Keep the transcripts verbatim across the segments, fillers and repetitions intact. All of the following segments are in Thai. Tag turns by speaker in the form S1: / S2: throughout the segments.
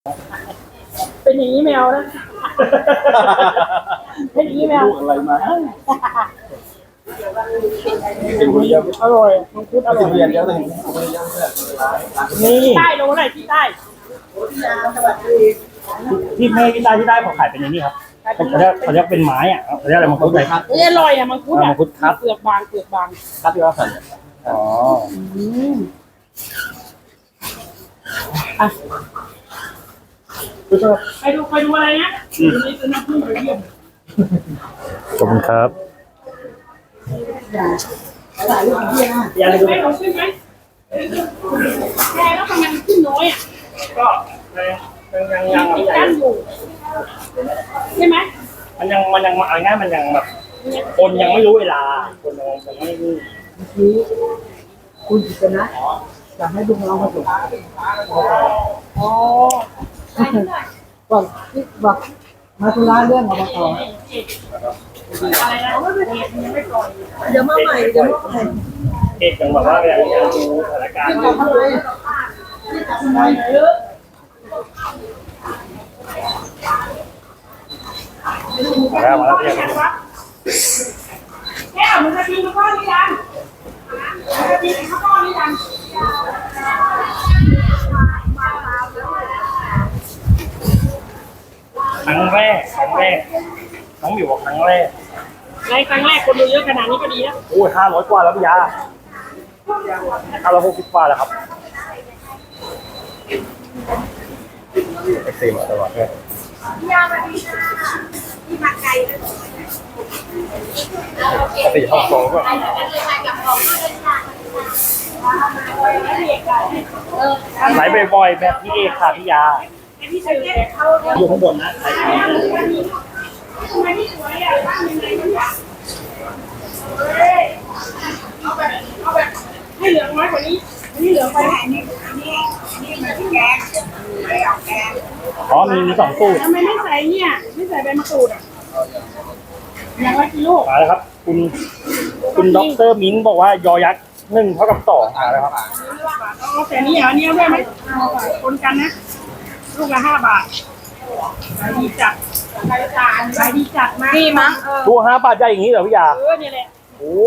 S1: เป็นอย่างนี้แมวนะเป็นอย่างนี้แมว
S2: อะไรมา
S1: อร่อยมังคุดอร่อย
S2: เรียนเยอะเลย
S1: นี่ใต้ลงไหนที่ใต้
S3: ที่ไม่ที่ใต้ที่ใต้เขาขายเป็นอย่างนี้ครับเขาเรียกเขาเรียกเป็นไม้อ่ะเขาเรียกอะไรมังคุดอะไรครับ
S1: นี่อร่อยอ่ะมังคุดอ่ะ
S3: มังคุดครับ
S1: เปลือกบางเปลือกบาง
S2: ครับที่ว่าสั่น
S3: อ๋อ
S1: อ่ะไปดูไปดูอะไรนะนี่คือน้ำผึ้งไปเยี่ยม
S3: ขอบคุณครับ
S1: อยากให้เราขึ้นไหมแค่แล้วทำไมมันขึ้นน้อยอ่ะ
S3: ก็ยังยัง
S1: ติดกันอยู่ใช่ไหม
S3: มันยังมันยังเอาง่ายมันยังแบบคนยังไม่รู้เวลาคนยังยังไม่รู้
S4: คุณจะนะจะให้ลุงเรามาส่ง
S1: อ๋อ
S4: บอกที่บอกมาธุระเรื่องอบต
S1: อะไรนะ
S4: เดี๋ยวมาใหม่เดี๋ยวมาใหม่
S3: เอกยังบอกว่ายังยังดูสถานการณ์
S4: ที่ทำอะไรที่ทำอะไรเยอะ
S3: มาแล้วมาแล้วเรียก
S1: แก้วมันจะกินข้าวหรือยังมันจะกินข้าวหรือยัง
S3: ครั้งแรกครั้งแรกน้องบิวบอกครั้งแรก
S1: ในครั้งแรกคนดูเยอะขนาดนี้ก็ดีนะ
S3: โอ้ยห้าร้อยกว่าแล้วพี่ยาห้าร้อยหกสิบกว่าแล้วครับเอ็กซ์ตรีมตลอดเลย
S1: พี่ยามาดีค่ะที่มาไกลเลย
S3: ปกติห้องโถงก็ไหลบ่อยๆแบบพี่เอกค่ะพี่ยาอยู่ข้างบนนะ
S1: ให้เหลืองน้อยกว่านี้นี่เหลืองไปนี่นี่นี่มันแกงไม่เอาแกง
S3: อ๋อมีมีสองสูตร
S1: ทำไมไม่ใส่เนี่ยไม่ใส่ใบมะกรูดอ่ะอย่างละกิโล
S3: มาแล้วครับคุณคุณด็อกเตอร์มิ้นบอกว่ายอยักษ์หนึ่งเท่ากับสองมาแล้วครับ
S1: เอาแต่นี้เหรอเนี่ยด้วยไหมเอาไปคนกันนะลูกละห้าบาทขายดีจัดขายจานขายดีจัดมาก
S4: ดีมั้ง
S3: ตัวห้าบาทใหญ่อย่างนี้เหรอพี่ยา
S1: เออเนี่ยแหละ
S3: โอ้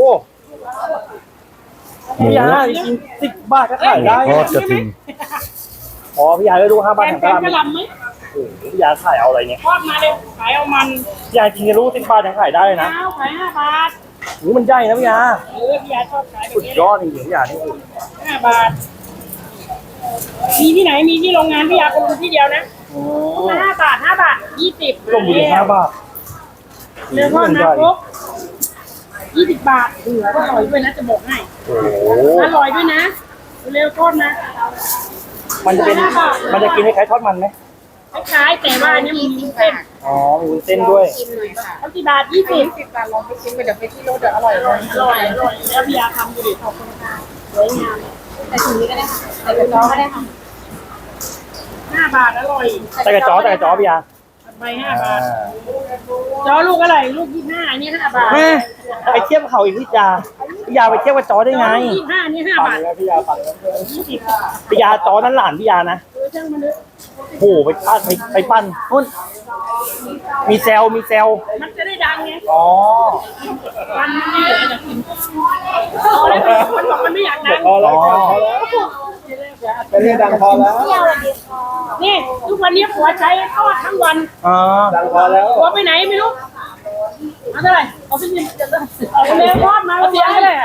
S3: พี่ยาจริงสิบบาทก็ขายได้
S2: ทอดกระถิ่น
S3: อ๋อพี่ยาได้รู้ห้าบาทแถม
S1: กระลำไหม
S3: โอ้พี่ยาขายเอาอะไรเนี่ย
S1: ทอดมาเร็วขายเอามัน
S3: พี่ยาจริงจะรู้สิบบาทแถมขายได้นะ
S1: ขายห้าบาท
S3: โอ้มันใหญ่นะพี่ยา
S1: เออพี่ยาชอบขายแบบ
S3: สุดยอดจริงๆพี่ยานี่
S1: ห้าบาทมีที่ไหนมีที่โรงงานพี่ยาคนรู้ที่เดียวนะห้าบาทห้าบาทยี่สิบ
S3: ลงอยู่ห้าบาท
S1: เนื้อทอดนะครบยี่สิบบาทเอออร่อยด้วยนะจะบอกให้
S3: โอ้
S1: อร่อยด้วยนะเร็วทอดนะ
S3: มันจะเป็นมันจะกินให้คล้ายทอดมันไหม
S1: คล้ายแต่ว่าเนี่ยมีเส้น
S3: อ๋อมีเส้นด้วย
S1: เอากี่บาทยี่สิบ
S4: สิบบาทลองไปชิมไปเดี๋ยวไปที่รถเดี๋ยวอร่อยเลย
S1: อร่อยอร่อยแล้วพี่ยาทำดูดิขอบคุณค่ะสวยงาม
S4: แต่ถุงนี้ก็ได้ค่ะแต่เป็นน้องก็ได้ค่ะ
S1: ห้าบาทอร่อย
S3: แต่กระจ๋อแต่กระจ๋อพี่ยา
S1: ใบห้าบาทจอลูกอะไรลูกยี่ห้านี่ห้าบาท
S3: ไปเทียบเขาอีกพี่ยาพี่ยาไปเทียบกับจอได้ไง
S1: ยี่ห้านี่ห้าบาท
S3: พี่ยาปังยี่สิบพี่ยาจอนั้นหลานพี่ยานะโอ้โหไปปั้นไปไปปั้นนู่นมีเซลมีเซล
S1: มันจะได้ดังไง
S3: อ๋อ
S1: ปั้นมันไม่เหลือจะกินมันบอกมันไม่อยากดัง
S3: พอแล้วพอแล้ว
S2: ไปเรียนดังพอแล้ว
S1: นี่ทุกวันนี้ผัวใช้ทอดทั้งวัน
S3: อ๋อ
S2: ดังพอแล้ว
S1: ผัวไปไหนไม่รู้มาเท่าไหร่เอาไปกินเอาไปเลยทอดมาแล้วเสียงเลย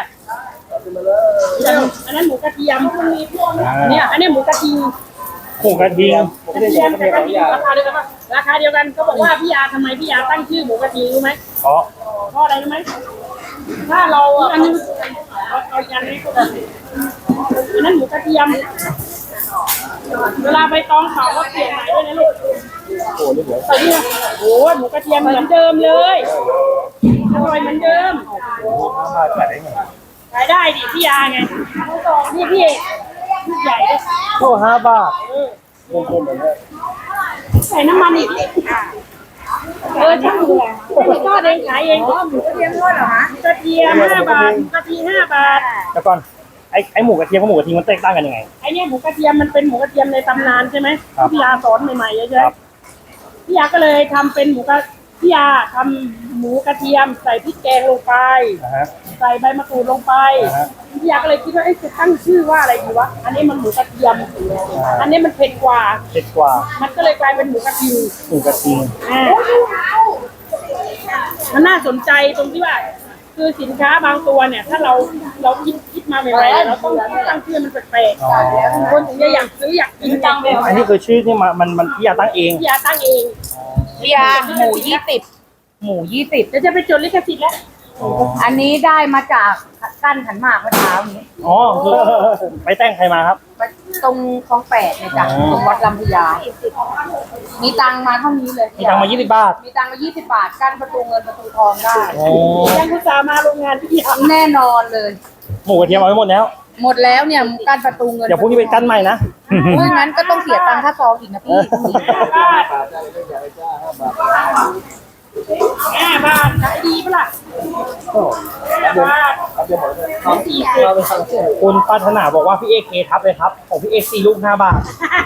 S1: อันนั้นหมูกระเทียมเนี่ยอันนี้หมูกระเทียม
S3: หมูกระเทียม
S1: กระเทียมกับกระเทียมราคาเดียวกันราคาเดียวกันเขาบอกว่าพี่ยาทำไมพี่ยาตั้งชื่อหมูกระเทียมรู้ไหม
S3: เพราะ
S1: เพราะอะไรรู้ไหมถ้าเราอันนี้เอาเอาอันนี้ก็ได้อันนั้นหมูกระเทียมเวลาใบตองเขาก็เปลี่ยนใหม่ด้วยนะลูก
S3: โอ้โห
S1: แต่นี่โอ้หมูกระเทียมเหมือนเดิมเลยอร่อยเหมือนเดิม
S3: ขายได้ไง
S1: ขายได้ดิพี่ยาไงนี่พี่ลูกใหญ่เลย
S3: โอ้ห้าบาทรวมๆเหมือนกัน
S1: ใส่น้ำมันอีกเออช่างดูแลไม่ทอดเองขายเอง
S4: หมูกระเทียมทอดเหรอคะ
S1: กระเทียมห้าบาทกระเทียมห้าบาท
S3: แล้วก่อนไอ้ไอ้หมูกระเทียมกับหมูกระเทียมมันแตกต่างกันยังไง
S1: ไอ้เนี่ยหมูกระเทียมมันเป็นหมูกระเทียมในตำนานใช่ไหม
S3: ครับ
S1: พี่ยาสอนใหม่ๆใช่ไหม
S3: ครับ
S1: พี่ยาก็เลยทำเป็นหมูกระพี่ยาทำหมูกระเทียมใส่พริกแกงลงไป
S3: นะฮะ
S1: ใส่ใบมะกรูดลงไป
S3: อ่าฮะ
S1: พี่ยาก็เลยคิดว่าเอ๊ะจะตั้งชื่อว่าอะไรดีวะอันนี้มันหมูกระเทียม อันนี้มันเผ็ดกว่า
S3: เผ็ดกว่า
S1: มันก็เลยกลายเป็นหมูกระเทียม
S3: หมูกระเทียม
S1: อ่ามันน่าสนใจตรงที่ว่า คือสินค้าบางตัวเนี่ย ถ้าเราเราคิดคิดมาใหม่ๆเนี่ยเราต้องตั้งชื่อมันแปลกๆคนถึงจะอยากซื้ออยากกินจังเลย
S3: อันนี้คือชื่อนี่มามันมันพี่ยาตั้งเอง
S1: พี่ยาตั้งเอง
S5: พี่ยาหมูยี่สิบหมูยี่สิบ
S1: เดี๋ยวจะไปจดลิขสิทธิ์แล้ว
S5: อันนี้ได้มาจากกั้นขันหมากเมื่อเช้านี้
S3: อ๋อคือไปแต่งใครมาครับ
S5: ตรงคลองแปดเนี่ยจ้ะ
S3: อ๋อ
S5: ตรงวัดลำพญามีตังค์มาเท่านี้เลย
S3: มีตังค์มายี่สิบบาท
S5: มีตังค์มายี่สิบบาทกั้นประตูเงินประตูทองได้
S3: โอ้
S1: ยังคุณสาห์มาโรงงานพี่ยา
S5: แน่นอนเลย
S3: หมูกระเทียมเอาไว้หมดแล้ว
S5: หมดแล้วเนี่ยกั้นประตูเงิน
S3: เดี๋ยวพรุ่งนี้ไปกั้นใหม่นะ
S5: อุ้ยงั้นก็ต้องเสียตังค่าซองอีกนะพี่
S1: ห้าบาทขายดีปะล่ะห้าบาทสองสี่สิบ
S3: คุณปรารถนาบอกว่าพี่เอกเคทับเลยครับ ของพี่เอกสี่ลูกห้าบาท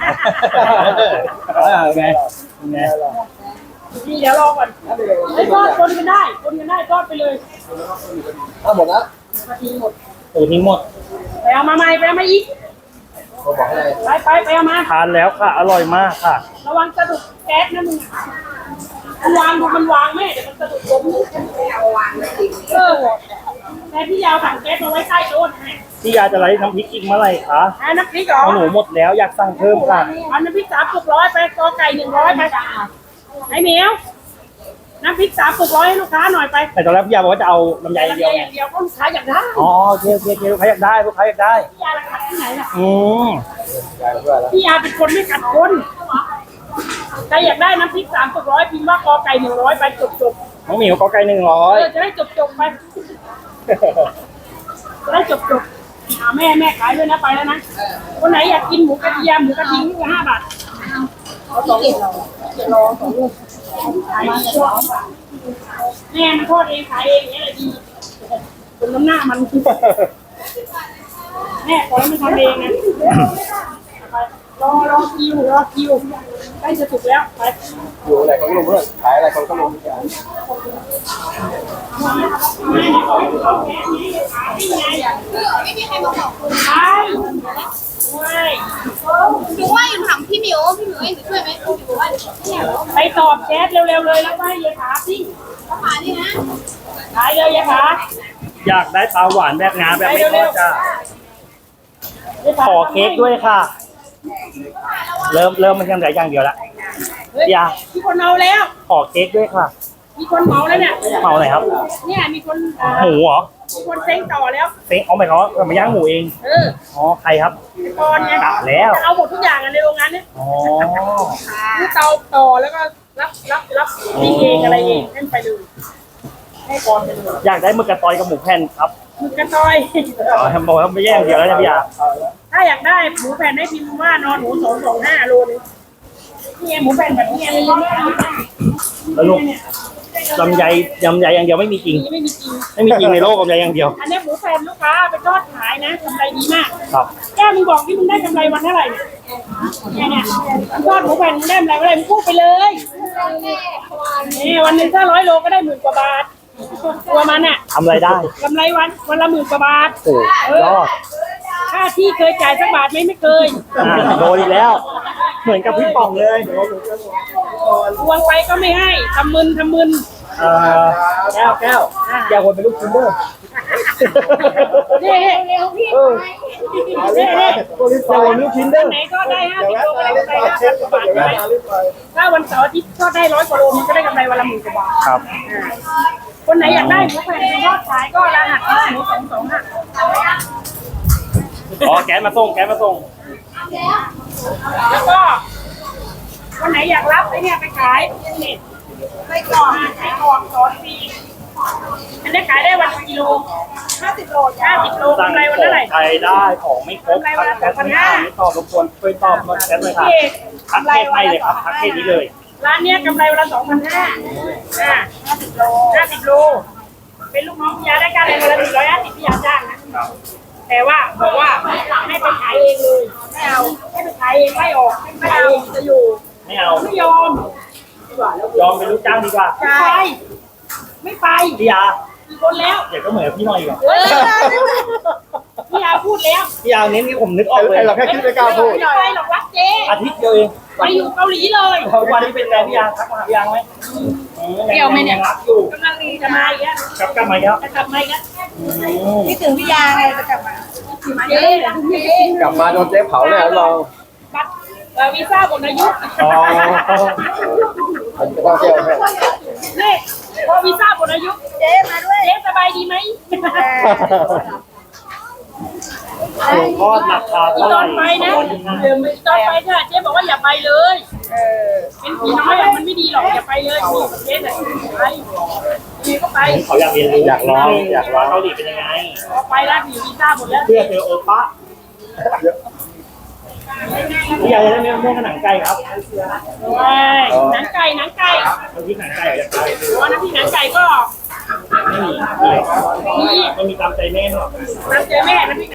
S3: ไงไง
S1: นี่เดี๋ยวรอก่อนไอ้ยทอดคนกันได้คนกันได้ทอดไปเลย
S2: เอาหมดแล้ว
S1: มาทีหมด
S3: โอ้ทิ้งหมด
S1: ไปเอามาใหม่ไปเอามาอีก
S2: เขาบอกให้
S1: ไปไปไปเอามา
S3: ทานแล้วค่ะ อร่อยมากค่ะ
S1: ระวังสะดุดแก๊สนะมึงมันวางดูมันวางแม่เดี๋ยวมันสะดุดลมเออแต่พี่ยาวถังแก๊สมาไว้ใต้โต๊ะให้
S3: พี่ยาจะไลฟ์น้ำพริกอีกเมื่อไหร่คะ
S1: อ่าน้ำพริกเหรอ
S3: เอาหนูหมดแล้วอยากสั่งเพิ่มค่ะ
S1: เอาน้ำพริกสามปุกร้อยไปกอไก่หนึ่งร้อยไปไอ้เหมียวน้ำพริกสามปุกร้อยให้ลูกค้าหน่อยไป
S3: แต่ตอนแรกพี่ยาบอกว่าจะเอาลำไยอย่างเดียว
S1: อ
S3: ไง
S1: ย่างเดียวก็ลูกค้าอยากได้
S3: อ๋อโอเคโอเคโอเคลูกค้าอยากได้ลูกค้าอยากได้
S1: พี่ยาราคาที่ไหนล่ะ
S3: อืม
S2: ยายเพื่อนแล้ว
S1: พี่ยาเป็นคนไม่ขัดคนใครอยากได้น้ำพริกสามปุกร้อยพิมพ์ว่ากอไก่หนึ่งร้อยไปจบจบ
S3: น้องหมิวกอไก่หนึ่งร้อ
S1: เอย อจะได้จบจบไปจะได้จบจบอ่าแม่แม่ขายด้วยนะไปแล้วนะคนไหนอยากกินหมูกระเทียมหมูกระทิงลูกละห้าบาทเอาสองลูกเจ็ดโลสองลูกขายดีกว่าแม่มันทอดเองขายเองเนี่ยแหละดีคนน้ำหน้ามันแม่ขอให้มันทำเองนะไปรอรอคิวรอคิวใกล้จะสุกแล้วไป
S2: อยู่อะไรเขาก็ลงเพื่อนขายอะไรเขาก็ลงกัน
S6: ไม่มีใครมาบอกคุณ
S1: ไปไม่
S6: หนูว่าอยู่ถามพี่หมิวพี่หมิวให้หนูช่วยไหมพี่หมิวว่าเนี่ย
S1: ไปตอบแชทเร็วๆเลยแล้วก็ให้ยายขาสิ
S6: เขามานี่นะ
S1: ขายเลยยายขา
S3: อยากได้ปลาหวานแบบงาแบบไม่ทอดจ้ะ
S1: ยายขา
S3: ขอเค้กด้วยค่ะ เริ่มเริ่มมันยังเหลืออย่างเดียวละ
S1: เฮ้ย
S3: อย่า
S1: มีคนเมาแล้ว
S3: ขอเค้กด้วยค่ะ
S1: มีคนเมาแล้วเนี่ย
S3: เมาไหนครับ
S1: เนี่ยมีคนเอ่อ
S3: หมูเหรอ
S1: มีคนเซ็งต่อแล้ว
S3: เซ็งเอาไปเขาเอามาย่างหมูเอง
S1: เออ
S3: อ๋อใครครับ
S1: ก่อนไง
S3: กะแล้ว
S1: จะเอาหมดทุกอย่างอะในโรงงานเนี่ย
S3: อ๋อ
S1: คือเตาต่อแล้วก็รับรับรับปิ้งเองอะไรเองให้มันไปเลยให้ก่อนไปเลย
S3: อยากได้หมึกกระตอยกับหมูแผ่นครับ
S1: หมึกกระตอย
S3: อ๋อบอกว่าไม่แย่อย่างเดียวแล้วนะพี่ยา
S1: ถ้าอยากได้หมูแผ่นให้พิมพ์ว่านอนหมูสองสองห้าโลนึงนี่ไงหมูแผ่นแบบนี้ไงไม่ต้อง
S3: แล้วลูกลำไยลำไยอย่างเดียวไม่มีจริง
S1: ไม่มีจริง
S3: ไม่มีจริงในโลกลำไยอย่างเดียว
S1: อันนี้หมูแผ่นลูกค้าไปทอดขายนะกำไรดีมาก
S3: ครับ
S1: แก้มึงบอกที่มึงได้กำไรวันเท่าไหร่เนี่ยเนี่ยทอดหมูแผ่นมึงได้กำไรวันอะไรมึงพูดไปเลยนี่วันหนึ่งถ้าร้อยโลก็ได้หมื่นกว่าบาทตัวมันอ่ะ
S3: ทำอะไรได้
S1: กำไรวันวันละหมื่นกว่าบาท
S3: โอ้ยอด
S1: ค่าที่เคยจ่ายสักบาทไหมไม่เคย
S3: อ่าโดนอีกแล้ว เหมือนกับพี่ป่องเลย
S1: ทวงไปก็ไม่ให้ทำมึนทำมึน
S3: เอ่อแก้วแก้วแก้วคนเป็นลูกชิ้นเด้อ
S1: นี่นี่
S3: เออ
S1: นี่นี่
S3: แก้วคนเป็นลูกชิ้นเด้อ
S1: ไหนก็ได้ห้าสิบโลก็ได้กำไรห้าพันกว่าบาทใช่ไหมถ้าวันเสาร์อาทิตย์ก็ได้ร้อยกว่าโลมันก็ได้กำไรวันละหมื่นกว่าบาท
S3: ครับ
S1: คนไหนอยากได้หมูแผ่นทอดขายก็รหัสหมูสองสองห้า
S3: อ๋อแก๊สมาส่งแก๊สมาส่ง
S1: แล้วก็คนไหนอยากรับไอ้เนี่ยไปขายนี่ไปกรอกไปกรอกสอนฟรีอันนี้ขายได้วันละกิโลห้าสิบโลห้าสิบโล
S3: สั่ง
S1: กำไร
S3: ข
S1: วัน
S3: อ
S1: เท่าไหร่
S3: งใครได้ของไม่ครบทักแก๊สไม่ได้ไม่ตอบรบกวนช่วยตอบหน่อยแก๊สเลยค่ะ
S1: พี่เอก
S3: ทัก
S1: กำไร
S3: เทศ
S1: วั
S3: ให้
S1: น
S3: เล
S1: ละ
S3: ยครับทักเทศนี้เลย
S1: ร้านเนี้ยกำไรวันละสองพันห้าอ่าห้าสิบโลห้าสิบโลเป็นลูกน้องพี่ยาได้การอะไรวันละหนึ่งร้อยห้าสิบพี่ยาจ้างนะแต่ว่าบอกว่าให้ไปขายเองเลยไม่เอาให้ไปขายเองไล่ออกไม่เอาจะอยู่
S3: ไม่เอา
S1: ไม่ยอม
S3: ยอมเป็นลูกจ้างดีกว่า
S1: ไม่ไปไม่ไป
S3: พี่ยา
S1: กี่คนแล้ว
S3: เดี๋ยวก็เหมือนพี่หน่อยอีกอะ
S1: เออพี่ยาพูดแล้ว
S3: พี่ยาเน้นที่ผมนึกออกเลย
S2: ไอ้เราแค่คิดไม่กล้าพูด
S1: ไม่ไปหรอกรักเจ๊
S3: อาทิตย์เดียวเอง
S1: ไปอยู่เกาหลีเลย
S3: วันนี้เป็นไงพี่ยาทักมาหาพี่ยาไหม
S5: เกี่ยวไหมเนี่ย
S3: งรักอยู่
S1: กำลังดีจะมาอีกแล้ว
S3: กลับกลับมาแล้ว
S1: จะกลับมาอีกแล้ว
S5: คิดถึงพี่ยาไงจะกลับมา
S1: เจ๊เจ๊
S2: กลับมาโดนเจ๊เผาแน่ลอง
S1: บัตรเอ่อวีซ่าหมดอายุ
S3: อ๋อ
S2: มันจะต้องเที่ยวให้
S1: นี่พอวีซ่าหมดอายุเจ๊มาด้วยเจ๊สบายดีไหม
S3: หลวงพ่อราคา
S1: ต
S3: เท่าไห
S1: อ
S3: ร่
S1: นไปนะตอนไปค่ะเจ๊บอกว่าอย่าไปเลย เป็นผีน้อยอะมันไม่ดีหรอกอย่าไปเลยเจ๊น่ะไปเจ๊ก็ไป
S3: เขาอยากเรียนรู้อยากลองอยากลองเกาหลีเป็นยังไง
S1: พอไปแล้วผีวีซ่าหมดแล้ว
S3: เพื่อเจอโอป้าพี่ยาจะได้ไม่ม่วงกับหนังไก่ครับ
S1: โอ้ยหนังไก่หนังไก่
S3: บางทีหนังไก่อยากไก่
S1: เพราะน้ำพริกหนังไก่ก็
S3: ไม่มี
S1: มี
S3: มันมีตามใจแม่หรอก
S1: น้ำเจอแม่น้ำพริก